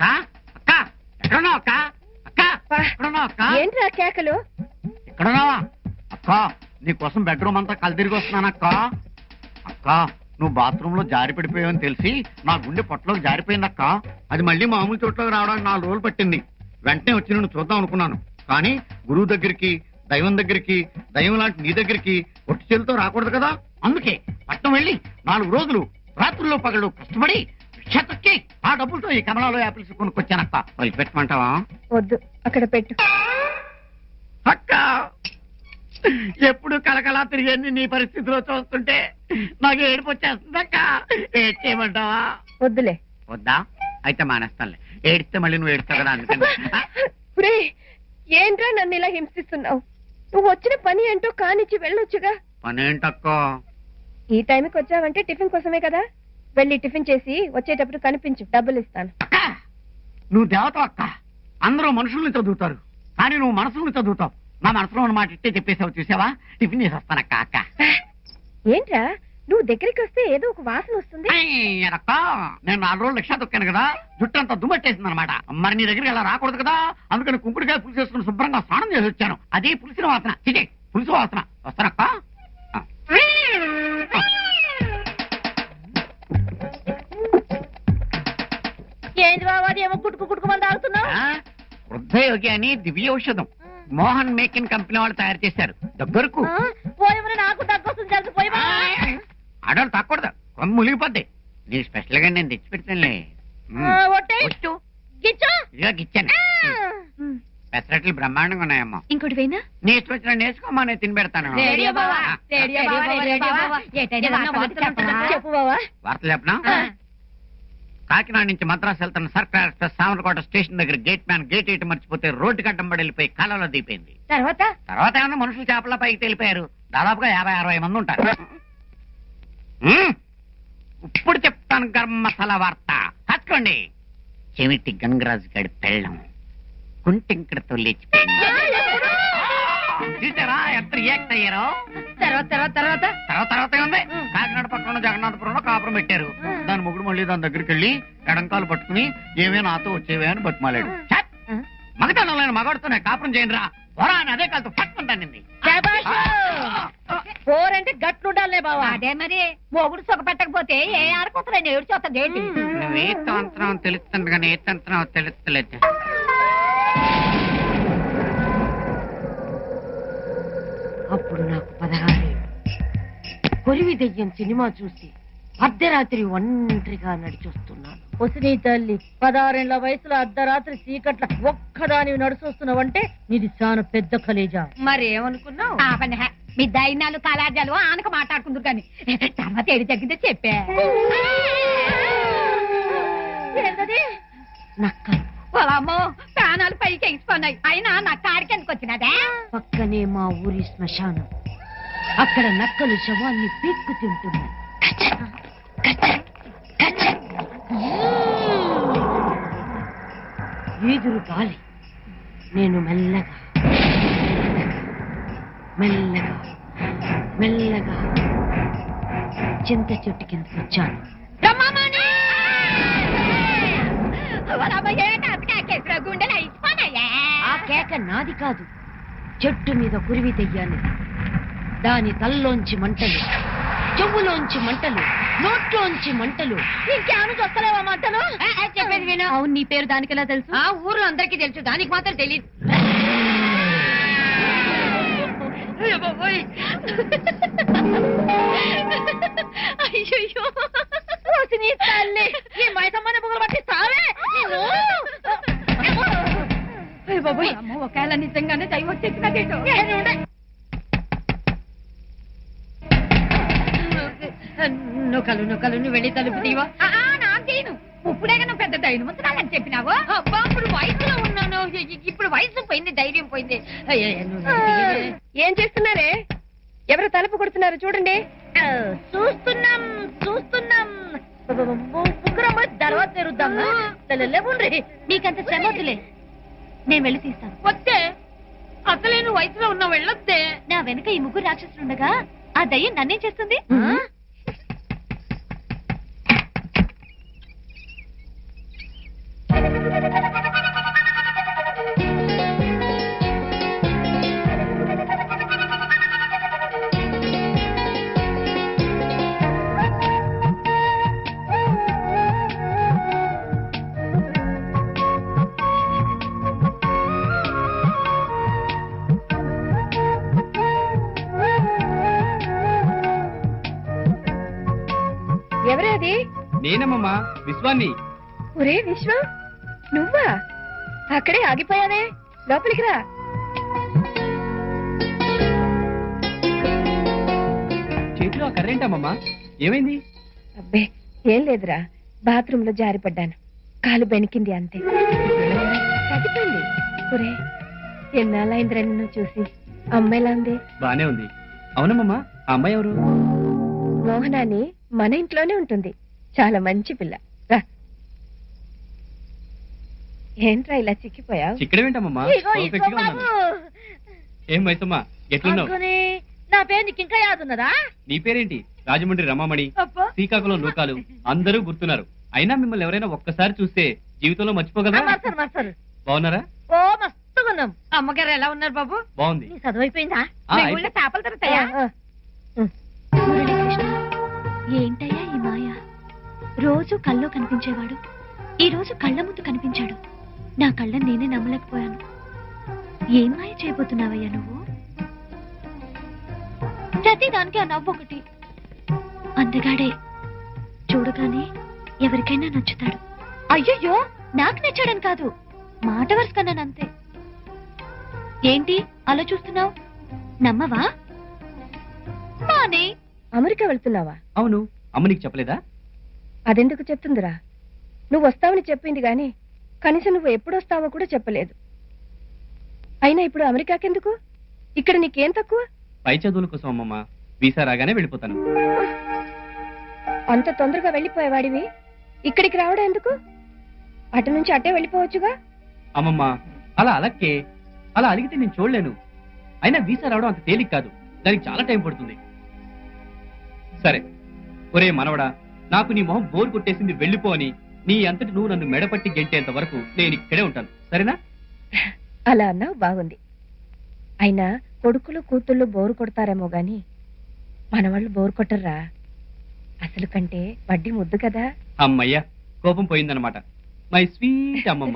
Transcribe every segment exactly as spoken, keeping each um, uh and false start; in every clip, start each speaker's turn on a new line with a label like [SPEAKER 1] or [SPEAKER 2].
[SPEAKER 1] అక్క ఎక్కడున్నావు అక్క అక్క ఎక్కడున్నావు అక్క
[SPEAKER 2] ఏంట్రా కేకలు
[SPEAKER 1] ఎక్కడున్నావా అక్క నీకోసం బెడ్రూమ్ అంతా కలిదిరిగి వస్తున్నానక్క అక్క నువ్వు బాత్రూమ్ లో జారి పడిపోయావని తెలిసి నా గుండె పొట్టలోకి జారిపోయిందక్క అది మళ్ళీ మామూలు చోట్లోకి రావడానికి నాలుగు రోజులు పట్టింది వెంటనే వచ్చి నేను చూద్దాం అనుకున్నాను కానీ గురువు దగ్గరికి దైవం దగ్గరికి దైవం లాంటి నీ దగ్గరికి ఒట్టి చేతితో రాకూడదు కదా అందుకే పట్టణం వెళ్ళి నాలుగు రోజులు రాత్రుల్లో పగలు కష్టపడి క్షతక్కి ఆ డబ్బులతో ఈ కమలాలో యాపిల్స్ కొనుక్కొచ్చానక్క వాళ్ళు పెట్టమంటావా
[SPEAKER 2] వద్దు అక్కడ పెట్టు
[SPEAKER 1] అక్క ఎప్పుడు కలకలా తిరిగి నీ పరిస్థితిలో చూస్తుంటే నాకు ఏడుపు వచ్చేస్తుంది అక్క ఏడ్ చేయమంటావా
[SPEAKER 2] వద్దులే
[SPEAKER 1] వద్దా అయితే మానేస్తానులే ఏడిస్తే మళ్ళీ నువ్వు ఏడుస్తావు కదా అందుకని
[SPEAKER 2] ఏంట్రా నన్ను ఇలా హింసిస్తున్నావు నువ్వు వచ్చిన పని ఏంటో కానిచ్చి వెళ్ళొచ్చుగా
[SPEAKER 1] పని ఏంటక్క
[SPEAKER 2] ఈ టైంకి వచ్చావంటే టిఫిన్ కోసమే కదా వెళ్ళి టిఫిన్ చేసి వచ్చేటప్పుడు కనిపించు డబ్బులు ఇస్తాను
[SPEAKER 1] అక్క నువ్వు దేవత అక్క అందరూ మనుషుల్ని చదువుతారు కానీ నువ్వు మనసుల్ని చదువుతావు నా మనసులో ఉన్న మాట ఇట్టే చెప్పేసావు చూసావా టిఫిన్ చేసి వస్తానక్క అక్క
[SPEAKER 2] ఏంట్రా నువ్వు దగ్గరికి వస్తే ఏదో ఒక వాసన వస్తుంది
[SPEAKER 1] అక్క నేను నాలుగు రోజులు లక్ష తొక్కాను కదా జుట్టు అంతా దుమ్మట్టేసింది అనమాట మరి నీ దగ్గరికి అలా రాకూడదు కదా అందుకని కుంకుడికాయ పులుసు వేసుకుని శుభ్రంగా స్నానం చేసి వచ్చాను అదే పులిసిన వాసన చికే పులుసు వాసన వస్తానక్క
[SPEAKER 2] ఏంటి బాబా ఏమో కుట్టుకు కుట్టుకుమని తాగుతున్నావు
[SPEAKER 1] వృద్ధయోగి అని దివ్య ఔషధం మోహన్ మేకిన్ కంపెనీ వాళ్ళు తయారు చేశారు దగ్గరకు
[SPEAKER 2] నాకు తగ్గొస్తుంది కలిసిపోయి
[SPEAKER 1] ఆడవాళ్ళు తాకూడదు కొమ్మ ములిగిపోద్ది నీ స్పెషల్ గా నేను తెచ్చి పెడతానులే ఇదిగా గిచ్చాను పెసరట్లు బ్రహ్మాండంగా ఉన్నాయమ్మా
[SPEAKER 2] ఇంకోటి పోయినా
[SPEAKER 1] నీ ఇష్టం వచ్చిన నేర్చుకోమా నేను తిని పెడతాను
[SPEAKER 2] చెప్పు బావా
[SPEAKER 1] వార్తలు చెప్పనా కాకినాడ నుంచి మద్రాసు వెళ్తున్న సర్కార్ ఎక్స్ప్రెస్ సామర్లకోట స్టేషన్ దగ్గర గేట్ మ్యాన్ గేట్ ఇటు మర్చిపోతే రోడ్డు కట్టంబడి వెళ్ళిపోయి కాలంలో దిగిపోయింది
[SPEAKER 2] తర్వాత
[SPEAKER 1] తర్వాత ఏమన్నా మనుషులు చేపల పైకి తెలిపారు దాదాపుగా యాభై అరవై మంది ఉంటారు ఇప్పుడు చెప్తాను గరం మసాలా వార్త కట్టుకోండి చెవిటి గంగరాజు గడి పెళ్ళం కుంటింకడతో లేచిపోయింది చూసారా ఎంత రియాక్ట్ అయ్యారో
[SPEAKER 2] తర్వాత తర్వాత తర్వాత
[SPEAKER 1] తర్వాత తర్వాత ఉంది కాకినాడ పక్కన జగన్నాథపురంలో కాపురం పెట్టారు దాని ముగ్గురు మళ్ళీ దాని దగ్గరికి వెళ్ళి ఎడంకాలు పట్టుకుని ఏమే నాతో వచ్చేవే అని బతిమాలాడు మగతనంలో మగాడుతూనే కాపురం చేయండి రా పోరా అని అదే కాలుతో పట్టుకుంటానండి
[SPEAKER 2] పోరంటే గట్లుండాలే బావా అదే మరి మొగుడు సుఖ పెట్టకపోతే ఏ ఆడుకుంటున్నా ఏడు చూస్తుంది ఏంటి
[SPEAKER 1] నువ్వు ఏ తంత్రం తెలుస్తుంది కానీ ఏ తంత్రం తెలుస్తలేదు
[SPEAKER 3] అప్పుడు నాకు పదహారేళ్ళు కొరివి దెయ్యం సినిమా చూసి అర్ధరాత్రి ఒంటరిగా నడిచొస్తున్నాను.
[SPEAKER 2] ఒసినీ తల్లి పదహారేళ్ల వయసులో అర్ధరాత్రి చీకట్ల ఒక్కదాని నడుచొస్తున్నావంటే నీది చాలా పెద్ద కలేజా.
[SPEAKER 3] మరి ఏమనుకున్నావు?
[SPEAKER 2] మీ దైనాలు కళాజాలు ఆనక మాట్లాడుకుందరు కానీ తర్వాత ఏడి తగ్గిందే చెప్పే.
[SPEAKER 3] నక్కలు
[SPEAKER 2] ప్రాణాలు పైకి ఎగిసిపోయినాయి అయినా నక్క ఆడికి ఎందుకు వచ్చినదే?
[SPEAKER 3] పక్కనే మా ఊరి శ్మశానం. అక్కడ నక్కలు శవాన్ని పీక్కు తింటున్నాయి. ఈదురు గాలి. నేను మెల్లగా మెల్లగా మెల్లగా చింత చెట్టు కిందకి వచ్చాను. ఆ కేక నాది కాదు, చెట్టు మీద కురివి తెయ్యాలి. దాని తల్లోంచి మంటలు, చెవులోంచి మంటలు, నోట్లోంచి మంటలు.
[SPEAKER 2] ఇంకేమను చూస్తలేవా మంటలు?
[SPEAKER 3] చెప్పేది విను.
[SPEAKER 2] అవును, నీ పేరు దానికి ఎలా తెలుసు?
[SPEAKER 3] ఆ ఊర్లో అందరికీ తెలుసు, దానికి మాత్రం తెలియదు.
[SPEAKER 2] అయ్యో నీ తల్లి ఈ మైసమ్మని బుగలు పట్టిస్తావే.
[SPEAKER 3] ఒకవేళ నిజంగానే దైవం వచ్చేసినదేటో. నొకలు నొకలు నువ్వు వెళ్ళి తలుపు తీవా.
[SPEAKER 2] నాకు తీను. ఇప్పుడేగా నువ్వు పెద్ద ధైర్యం ఉంచుతానని చెప్పినావు.
[SPEAKER 3] అబ్బా, ఇప్పుడు వయసులో ఉన్నాను, ఇప్పుడు వయసు పోయింది, ధైర్యం పోయింది.
[SPEAKER 2] ఏం చేస్తున్నారే? ఎవరు తలుపు కొడుతున్నారు చూడండి.
[SPEAKER 3] చూస్తున్నాం చూస్తున్నాం. ముగ్గురమ్మ తర్వాత తెరుద్దాం. లేవుండ్రి,
[SPEAKER 2] మీకంత శ్రమ వద్దులే, నేను వెళ్ళి తీస్తాను.
[SPEAKER 3] వస్తే అసలే నువ్వు వయసులో ఉన్నావు, వెళ్ళొద్దే.
[SPEAKER 2] నా వెనక ఈ ముగ్గురు రాక్షసులుండగా ఆ దయ్యం నన్నేం చేస్తుంది? ఎవరది?
[SPEAKER 4] నేనమ్మమ్మా, విశ్వాన్ని.
[SPEAKER 2] ఒరే విశ్వం, నువ్వా? అక్కడే ఆగిపోయావే, లోపలికి రా.
[SPEAKER 4] చేతిలో ఆ కర్రేంటమ్మమ్మా, ఏమైంది?
[SPEAKER 2] అబ్బే ఏం లేదురా, బాత్రూమ్ లో జారిపడ్డాను, కాలు బెనికింది అంతే. తగ్గిపోయింది. ఒరే ఎన్నాళ్ళైందిరా నిన్ను చూసి, అమ్మాయిలా ఉంది.
[SPEAKER 4] బానే ఉంది. అవునమ్మమ్మా, ఆ అమ్మాయి ఎవరు?
[SPEAKER 2] మోహనాని మన ఇంట్లోనే ఉంటుంది, చాలా మంచి పిల్ల. రా. ఏంట్రా ఇలా చిక్కిపోయావు?
[SPEAKER 4] చిక్కడమేంటమ్మమ్మా, ఏం మైసమ్మా ఎట్లున్నావు?
[SPEAKER 2] నా పేరు నీకు ఇంకా యాదున్నదా?
[SPEAKER 4] నీ పేరేంటి? రాజమండ్రి రమామణి, శ్రీకాకుళం లోకాలు అందరూ గుర్తున్నారు. అయినా మిమ్మల్ని ఎవరైనా ఒక్కసారి చూస్తే జీవితంలో మర్చిపోగలరా? బాగున్నారా?
[SPEAKER 2] ఓ మస్తుగున్నాం. అమ్మగారు ఎలా ఉన్నారు బాబు?
[SPEAKER 4] బాగుంది.
[SPEAKER 2] చదువు అయిపోయిందా? చేపలు దొరుకుతాయా?
[SPEAKER 5] ఏంటయ్యా ఈ మాయ? రోజు కల్లో కనిపించేవాడు, ఈ రోజు కళ్ళ ముందు కనిపించాడు. నా కళ్ళని నేనే నమ్మలేకపోయాను. ఏం మాయ చేయబోతున్నావయ్యా నువ్వు? ప్రతిదానికి ఆ నవ్వు ఒకటి. అందగాడే, చూడగానే ఎవరికైనా నచ్చుతాడు. అయ్యయ్యో, నాకు నచ్చాడని కాదు, మాట వరుసకన్నానంతే. ఏంటి అలా చూస్తున్నావు? నమ్మవా? మానే.
[SPEAKER 2] అమెరికా వెళ్తున్నావా?
[SPEAKER 4] అవును. అమ్మ నీకు చెప్పలేదా?
[SPEAKER 2] అదెందుకు చెప్తుందిరా? నువ్వు వస్తావని చెప్పింది గాని కనీసం నువ్వు ఎప్పుడు వస్తావో కూడా చెప్పలేదు. అయినా ఇప్పుడు అమెరికాకెందుకు? ఇక్కడ నీకేం తక్కువ?
[SPEAKER 4] పై చదువుల కోసం అమ్మమ్మ, వీసా రాగానే వెళ్ళిపోతాను.
[SPEAKER 2] అంత తొందరగా వెళ్ళిపోయేవాడివి ఇక్కడికి రావడం ఎందుకు? అటు నుంచి అట్టే వెళ్ళిపోవచ్చుగా.
[SPEAKER 4] అమ్మమ్మ అలా అలక్కే, అలా అలిగితే నేను చూడలేను. అయినా వీసా రావడం అంత తేలిక కాదు, దానికి చాలా టైం పడుతుంది. సరే ఒరే మనవడా, నాకు నీ మొహం బోర్ కొట్టేసింది, వెళ్ళిపో అని నీ అంతటి నువ్వు నన్ను మెడపట్టి గెంటేంత వరకు నేను ఇక్కడే ఉంటాను, సరేనా?
[SPEAKER 2] అలా అన్నావు, బాగుంది. అయినా కొడుకులు కూతుళ్ళు బోరు కొడతారేమో గాని మనవాళ్ళు బోరు కొట్టర్రా. అసలు కంటే వడ్డీ ముద్దు కదా.
[SPEAKER 4] అమ్మయ్యా, కోపం పోయిందనమాట. మై స్వీట్ అమ్మమ్మ.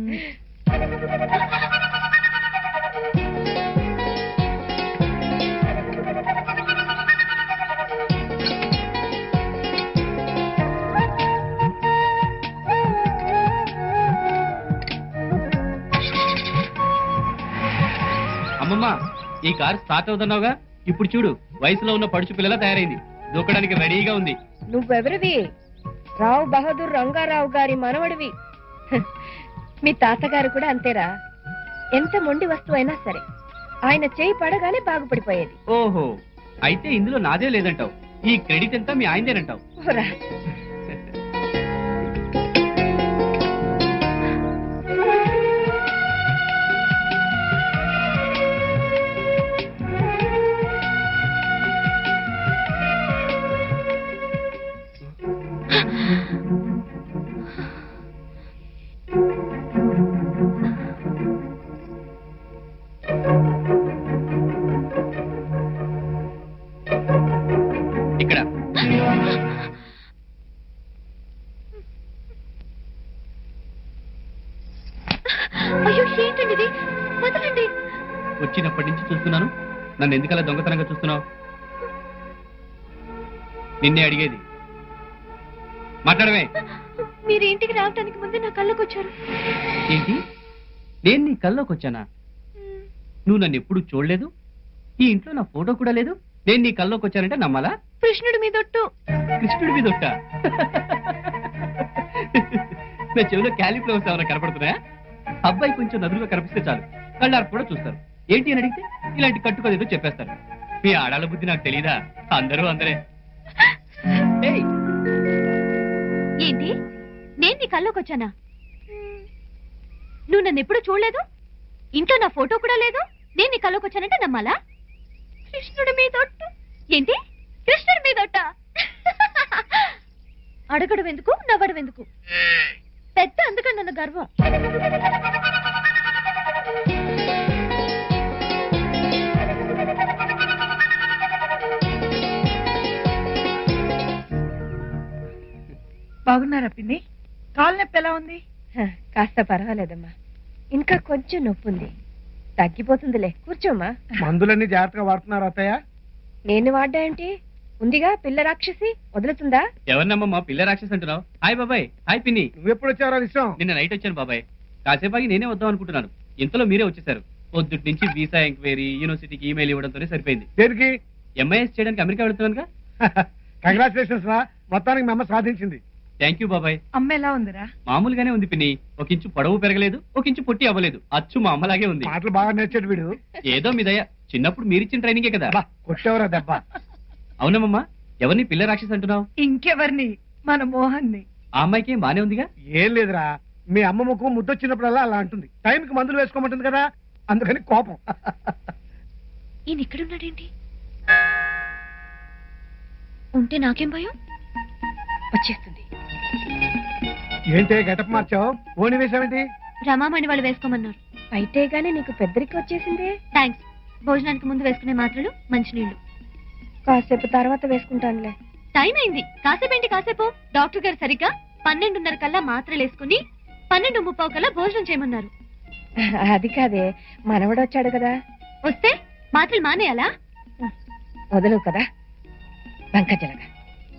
[SPEAKER 4] అమ్మమ్మ, ఈ కారు స్టార్ట్ అవుతున్నావుగా, ఇప్పుడు చూడు వయసులో ఉన్న పడుచు పిల్లలా తయారైంది, దూకడానికి రెడీగా ఉంది.
[SPEAKER 2] నువ్వెవరివి? రావు బహదూర్ రంగారావు గారి మనవడివి. మీ తాతగారు కూడా అంతేరా. ఎంత మొండి వస్తువు అయినా సరే ఆయన చేయి పడగానే బాగుపడిపోయేది.
[SPEAKER 4] ఓహో, అయితే ఇందులో నాదే లేదంటావు, ఈ క్రెడిట్ అంతా మీ ఆయనదేనంటావు. ఇక్కడ
[SPEAKER 5] అయ్యో, ఏంటండి ఇది? వదలండి.
[SPEAKER 4] వచ్చినప్పటి నుంచి చూస్తున్నాను, నన్ను ఎందుకలా దొంగతనంగా చూస్తున్నావు? నిన్నే అడిగేది, మాట్లాడమే.
[SPEAKER 5] మీరు ఇంటికి రావడానికి ముందే నా కళ్ళకు వచ్చారు.
[SPEAKER 4] ఏంటి, నేను నీ కల్లోకి వచ్చానా? నువ్వు నన్ను ఎప్పుడు చూడలేదు, ఈ ఇంట్లో నా ఫోటో కూడా లేదు, నేను నీ కల్లోకి వచ్చానంటే నమ్మాలా?
[SPEAKER 5] కృష్ణుడి మీదొట్టు.
[SPEAKER 4] కృష్ణుడి మీద ఒట్ట? నా చెవిలో క్యాలీఫ్లవర్స్ ఏమైనా కనపడుతున్నాయా? అబ్బాయి కొంచెం నదులుగా కనిపిస్తే చాలు, కళ్ళారు కూడా చూస్తారు. ఏంటి అని అడిగితే ఇలాంటి కట్టుకోదేదో చెప్పేస్తారు. మీ ఆడాళ్ళ బుద్ధి నాకు తెలీదా? అందరూ అందరే. ఏయ్,
[SPEAKER 5] ఏంటి, నేను నీ కళ్ళకు వచ్చానా? నువ్వు నన్ను ఎప్పుడు చూడలేదు, ఇంట్లో నా ఫోటో కూడా లేదు, నేను నీ కళ్ళకు వచ్చానంటే నమ్మాలా? కృష్ణుడి మీదొట్టు. ఏంటి, కృష్ణుడి మీదొట్ట? అడగడం ఎందుకు, నవ్వడం ఎందుకు? పెద్ద అందుకని నన్ను గర్వం.
[SPEAKER 6] బాగున్నారా పిన్ని? కాలు నొప్పి ఎలా ఉంది?
[SPEAKER 2] హ, కాస్త పర్వాలేదమ్మా. ఇంకా కొంచెం నొప్పి ఉంది, తగ్గిపోతుందిలే. కూర్చోమ్మా.
[SPEAKER 7] మందులన్నీ జాగ్రత్తగా వాడుతున్నారు అత్తయ్య?
[SPEAKER 2] నేను వాడ్డా ఏంటి? ఉందిగా పిల్ల రాక్షసి, వదులుతుందా?
[SPEAKER 4] ఎవరినమ్మా పిల్ల రాక్షస్ అంటున్నావు? హాయ్ బాబాయ్. హాయ్ పిన్ని.
[SPEAKER 7] నువ్వెప్పుడు వచ్చావరా విషయం?
[SPEAKER 4] నిన్న నైట్ వచ్చాను బాబాయ్. కాసేపాకి నేనే వద్దాం అనుకుంటున్నాను, ఇంతలో మీరే వచ్చేసారు. పొద్దుటి నుంచి వీసా ఎంక్వైరీ, యూనివర్సిటీకి ఈమెయిల్ ఇవ్వడంతోనే సరిపోయింది.
[SPEAKER 7] దేనికి?
[SPEAKER 4] ఎంఐఎస్ చేయడానికి అమెరికా వెళ్తున్నానుగా.
[SPEAKER 7] కంగ్రాచులేషన్స్ రా, మొత్తానికి మీ అమ్మ సాధించింది.
[SPEAKER 4] థ్యాంక్ యూ బాబాయ్.
[SPEAKER 6] అమ్మ ఎలా ఉందిరా?
[SPEAKER 4] మామూలుగానే ఉంది పిన్ని. ఒక ఇంచు పొడవు పెరగలేదు, ఒక ఇంచు పొట్టి అవ్వలేదు. అచ్చు మా అమ్మలాగే ఉంది.
[SPEAKER 7] మాటలు బాగా నేర్చాడు వీడు.
[SPEAKER 4] ఏదో మీ దయ. చిన్నప్పుడు మీరిచ్చిన ట్రైనింగే కదా.
[SPEAKER 7] అబ్బా, కొట్టేవరా దెబ్బ.
[SPEAKER 4] అవునమ్మా. ఎవరిని పిల్ల రాక్షస్ అంటున్నావు?
[SPEAKER 6] ఇంకెవరిని? మన మోహన్ని.
[SPEAKER 4] ఆ అమ్మాయికి ఏం బానే ఉందిగా.
[SPEAKER 7] ఏం లేదురా, మీ అమ్మ ముఖం ముద్దొచ్చినప్పుడల్లా అలా అంటుంది. టైంకి మందులు వేసుకోమంటుంది కదా, అందుకని కోపం.
[SPEAKER 5] ఈయన ఇక్కడున్నాడేంటి? ఉంటే నాకేం భయం?
[SPEAKER 2] వచ్చేస్తుంది.
[SPEAKER 7] ఏంటే గెటప్ మార్చావు? ఓని వేసావేంటి?
[SPEAKER 5] రమామణి వాళ్ళు వేసుకోమన్నారు.
[SPEAKER 2] అయితే గానీ నీకు పెద్దరికి వచ్చేసిందే.
[SPEAKER 5] థ్యాంక్స్. భోజనానికి ముందు వేసుకునే మాత్రలు, మంచినీళ్లు.
[SPEAKER 2] కాసేపు తర్వాత వేసుకుంటానులే.
[SPEAKER 5] టైం అయింది. కాసేపేంటి కాసేపు? డాక్టర్ గారు సరిగ్గా పన్నెండున్నర కల్లా మాత్రలు వేసుకుని పన్నెండు ముప్పావు కల్లా భోజనం చేయమన్నారు.
[SPEAKER 2] అది కాదే, మనవడు వచ్చాడు కదా.
[SPEAKER 5] వస్తే మాత్రలు మానేయాలా?
[SPEAKER 2] వదలవు కదా, బంకజలగా.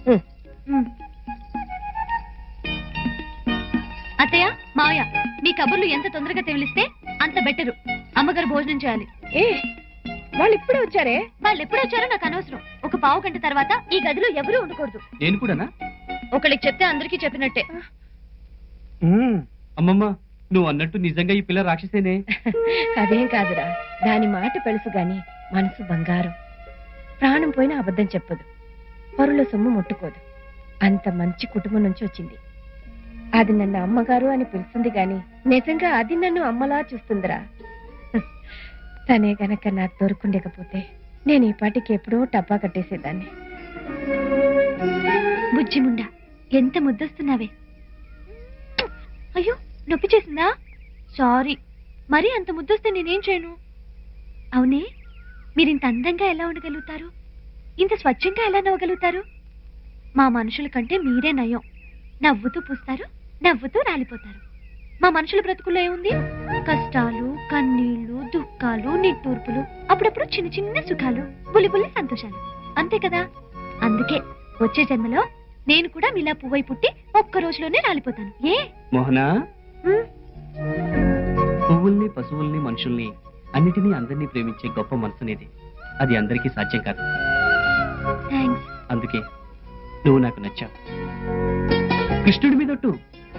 [SPEAKER 5] అత్తయ్య, మావయ్య, మీ కబుర్లు ఎంత తొందరగా తెలిస్తే అంత బెటరు. అమ్మగారు భోజనం చేయాలి.
[SPEAKER 2] ఏ, వాళ్ళు ఇప్పుడే వచ్చారే?
[SPEAKER 5] వాళ్ళు ఎప్పుడు వచ్చారో నాకు అనవసరం. ఒక పావు గంట తర్వాత ఈ గదిలో ఎవరూ ఉండకూడదు.
[SPEAKER 4] నేను కూడానా?
[SPEAKER 5] ఒకళ్ళకి చెప్తే అందరికీ చెప్పినట్టే.
[SPEAKER 7] ఉమ్,
[SPEAKER 4] అమ్మమ్మ, నువ్వు అన్నట్టు నిజంగా ఈ పిల్ల రాక్షసేనే.
[SPEAKER 2] అదేం కాదురా, దాని మాట పెలుసు గాని మనసు బంగారం. ప్రాణం పోయినా అబద్ధం చెప్పదు, పరుల సొమ్ము ముట్టుకోదు. అంత మంచి కుటుంబం నుంచి వచ్చింది. అది నన్ను అమ్మగారు అని పిలుస్తుంది గాని నిజంగా అది నన్ను అమ్మలా చూస్తుందిరా. తనే గనక నాకు దొరుకుండకపోతే నేను ఈ పాటికి ఎప్పుడో టప్పా కట్టేసేదాన్ని.
[SPEAKER 5] బుజ్జిముండా, ఎంత ముద్దొస్తున్నావే. అయ్యో, నొప్పి చేసిందా? సారీ. మరీ అంత ముద్దొస్తే నేనేం చేయను? అవునే, మీరింత అందంగా ఎలా ఉండగలుగుతారు? ఇంత స్వచ్ఛంగా ఎలా నవ్వగలుగుతారు? మా మనుషుల కంటే మీరే నయం. నవ్వుతూ పూస్తారు, నవ్వుతూ రాలిపోతారు. మా మనుషుల బ్రతుకుల్లో ఏముంది? కష్టాలు, కన్నీళ్లు, దుఃఖాలు, నిట్టూర్పులు, అప్పుడప్పుడు చిన్న చిన్న సుఖాలు, బుల్లి బుల్లి సంతోషాలు. అంతే కదా. అందుకే వచ్చే జన్మలో నేను కూడా మీలా పువ్వై పుట్టి ఒక్క రోజులోనే రాలిపోతాను. ఏ
[SPEAKER 4] మోహనా,
[SPEAKER 5] ఉమ్,
[SPEAKER 4] పువ్వుల్ని, పశువుల్ని, మనుషుల్ని, అన్నిటినీ అందరినీ ప్రేమించే గొప్ప మనసునేది. అది అందరికీ సాధ్యం కాదు.
[SPEAKER 5] థాంక్స్.
[SPEAKER 4] అందుకే నువ్వు నాకు నచ్చావు. కృష్ణుడి మీదొట్టు.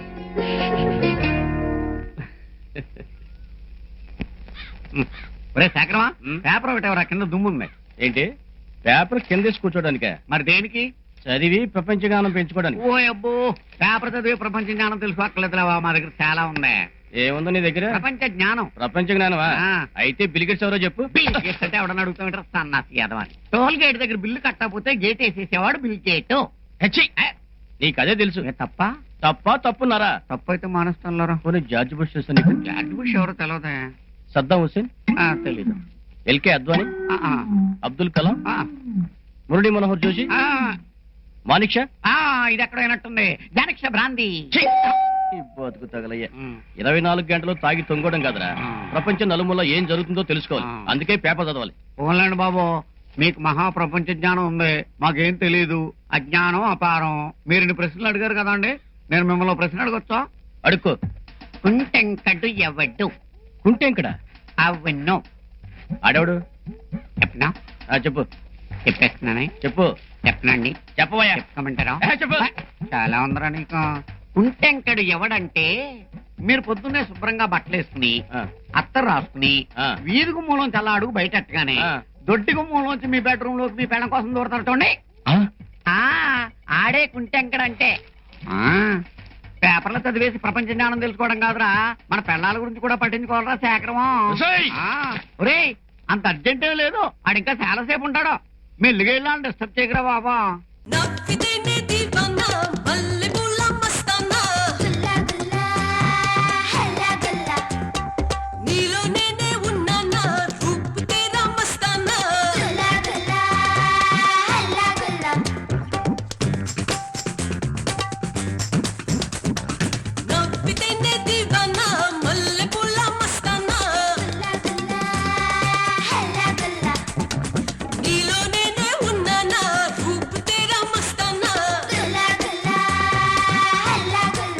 [SPEAKER 1] ఒరే శేఖరమా,
[SPEAKER 4] ఉమ్.
[SPEAKER 1] పేపర్ ఒకటి ఎవరా? కింద దుమ్ముంది.
[SPEAKER 4] ఏంటి? పేపర్ కిందేసి కూర్చోడానికే?
[SPEAKER 1] మరి దేనికి?
[SPEAKER 4] చదివి ప్రపంచ జ్ఞానం పెంచుకోవడానికి.
[SPEAKER 1] ఓ అబ్బో, పేపర్ చదివి ప్రపంచ జ్ఞానం తెలుసుకోక్కర్లేదులేవా, మా దగ్గర చాలా ఉంది.
[SPEAKER 4] ఏముందో నీ దగ్గర?
[SPEAKER 1] ప్రపంచ జ్ఞానం.
[SPEAKER 4] ప్రపంచ జ్ఞానమా?
[SPEAKER 1] ఆ.
[SPEAKER 4] అయితే బిలిగెట్స్ ఎవరో చెప్పు.
[SPEAKER 1] బిల్ గేట్స్ అంటే ఎవడన్నా అడుగుతామంటారు సన్నాసి యాదవని. టోల్ గేట్ దగ్గర బిల్లు కట్టకపోతే గేట్ వేసేసేవాడు బిల్ గేట్.
[SPEAKER 4] హెచ్చి! నీకు అదే తెలుసు.
[SPEAKER 1] ఏ తప్ప?
[SPEAKER 4] తప్ప తప్పున్నారా?
[SPEAKER 1] తప్పైతే మానేస్తాను.
[SPEAKER 4] పోనీ జార్జ్ బుష్ చూస్తా నీకు.
[SPEAKER 1] జార్జ్ బుష్ ఎవరో తెలియదా?
[SPEAKER 4] సద్దాం హుస్సేన్,
[SPEAKER 1] ఆ, తెలీదు.
[SPEAKER 4] ఎల్కే అద్వానీ,
[SPEAKER 1] ఆ, ఆ,
[SPEAKER 4] అబ్దుల్ కలాం,
[SPEAKER 1] ఆ,
[SPEAKER 4] మురళీ మనోహర్ జోషి,
[SPEAKER 1] ఆ,
[SPEAKER 4] మానిక్ షా.
[SPEAKER 1] ఆ, ఇది ఎక్కడ అయినట్టుంది. జానక్ష భ్రాంతి.
[SPEAKER 4] ఛీ! ఈ బతుకు తగలయ్యా.
[SPEAKER 1] ఉమ్.
[SPEAKER 4] ఇరవై నాలుగు గంటలు తాగి తొంగడం కాదురా,
[SPEAKER 1] ఆ.
[SPEAKER 4] ప్రపంచం నలుమూల ఏం జరుగుతుందో తెలుసుకోవాలి.
[SPEAKER 1] ఆ.
[SPEAKER 4] అందుకే పేపర్ చదవాలి.
[SPEAKER 1] పోన్లేండి బాబు, మీకు మహా ప్రపంచ జ్ఞానం ఉంది, మాకేం తెలీదు. అజ్ఞానం అపారం. మీరు ఇన్ని ప్రశ్నలు అడిగారు కదండి, నేను మిమ్మల్ని ప్రశ్న అడగొచ్చా?
[SPEAKER 4] అడుక్కో.
[SPEAKER 1] కుంటెంకడు ఎవడు?
[SPEAKER 4] కుంటెంకడ?
[SPEAKER 1] అవును.
[SPEAKER 4] ఆడవుడు?
[SPEAKER 1] చెప్పనా?
[SPEAKER 4] ఆ, చెప్పు
[SPEAKER 1] చెప్పేస్తున్నానే.
[SPEAKER 4] చెప్పు
[SPEAKER 1] చెప్పనండి,
[SPEAKER 4] చెప్పవయ్యా.
[SPEAKER 1] చెప్పుకోమంటారా?
[SPEAKER 4] ఏ, చెప్పు.
[SPEAKER 1] చాలా ఉందరా నీకు. కుంటెంకడు ఎవడంటే, మీరు పొద్దున్నే శుభ్రంగా బట్టలు వేసుకుని
[SPEAKER 4] ఆ,
[SPEAKER 1] అత్తరు రాసుకుని
[SPEAKER 4] ఆ.
[SPEAKER 1] వీధి గుమ్మలోంచి అలా అడుగు బయటెట్టగానే
[SPEAKER 4] ఆ.
[SPEAKER 1] దొడ్డి గుమ్మలోంచి మీ బెడ్రూమ్ లోకి మీ పెళ్ళం కోసం దూరతారు చూడండి.
[SPEAKER 4] ఆ?
[SPEAKER 1] ఆ, ఆడే కుంటెంకడంటే. ఆ, పేపర్లో చదివేసి ప్రపంచ జ్ఞానం తెలుసుకోవడం కాదురా, మన పెళ్ళాల గురించి కూడా పట్టించుకోవాలరా శేఖరమా.
[SPEAKER 4] ఒసేయ్!
[SPEAKER 1] ఆ, ఒరేయ్, అంత అర్జెంటే లేదు, ఆడింకా చాలాసేపు ఉంటాడు. మెల్లిగా వెళ్ళాలని డిస్టర్బ్ చేయకరా బాబా.